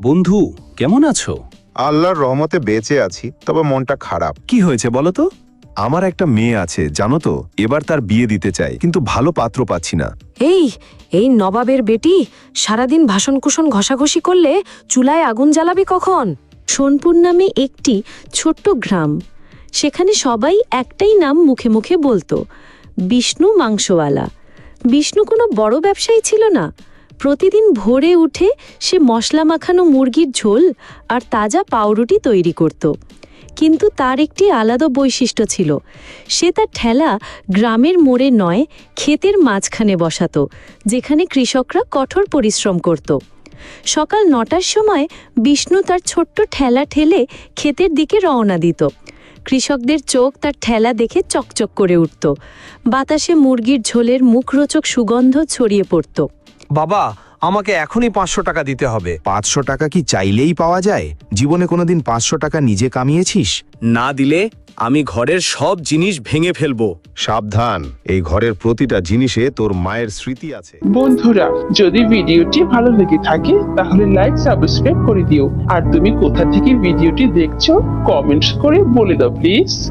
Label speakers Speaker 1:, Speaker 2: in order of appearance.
Speaker 1: বন্ধু, কেমন আছো?
Speaker 2: আল্লাহর রহমতে বেঁচে আছি, তবে মনটা খারাপ।
Speaker 1: কি হয়েছে বলো তো?
Speaker 3: আমার একটা মেয়ে আছে জানো তো, এবার তার বিয়ে দিতে চাই, কিন্তু ভালো পাত্র পাচ্ছি না।
Speaker 4: এই এই নবাবের বেটি সারাদিন ভাষণ কুশন ঘষাঘষি করলে চুলায় আগুন জ্বালাবি কখন?
Speaker 5: সোনপুর নামে একটি ছোট্ট গ্রাম, সেখানে সবাই একটাই নাম মুখে মুখে বলতো, বিষ্ণু মাংসওয়ালা। বিষ্ণু কোনো বড় ব্যবসায়ী ছিল না। প্রতিদিন ভোরে উঠে সে মশলা মাখানো মুরগির ঝোল আর তাজা পাউরুটি তৈরি করত। কিন্তু তার একটি আলাদা বৈশিষ্ট্য ছিল, সে তার ঠেলা গ্রামের মোড়ে নয়, ক্ষেতের মাঝখানে বসাতো, যেখানে কৃষকরা কঠোর পরিশ্রম করত। সকাল 9টার সময় বিষ্ণু তার ছোট্ট ঠেলা ঠেলে ক্ষেতের দিকে রওনা দিত। কৃষকদের চোখ তার ঠেলা দেখে চকচক করে উঠত। বাতাসে মুরগির ঝোলের মুখরোচক সুগন্ধ ছড়িয়ে পড়ত।
Speaker 6: বাবা, আমাকে এখনই 500 টাকা দিতে হবে।
Speaker 3: 500 টাকা কি চাইলেই পাওয়া যায়? জীবনে কোনোদিন 500 টাকা নিজে কামিয়েছিস?
Speaker 1: না দিলে আমি ঘরের সব জিনিস ভেঙে ফেলবো।
Speaker 2: সাবধান, এই ঘরের প্রতিটা জিনিসে তোর মায়ের স্মৃতি আছে।
Speaker 7: বন্ধুরা, যদি ভিডিওটি ভালো লেগে থাকে তাহলে লাইক সাবস্ক্রাইব করে দিও। আর তুমি কোথা থেকে ভিডিওটি দেখছো কমেন্টস করে বলে দাও প্লিজ।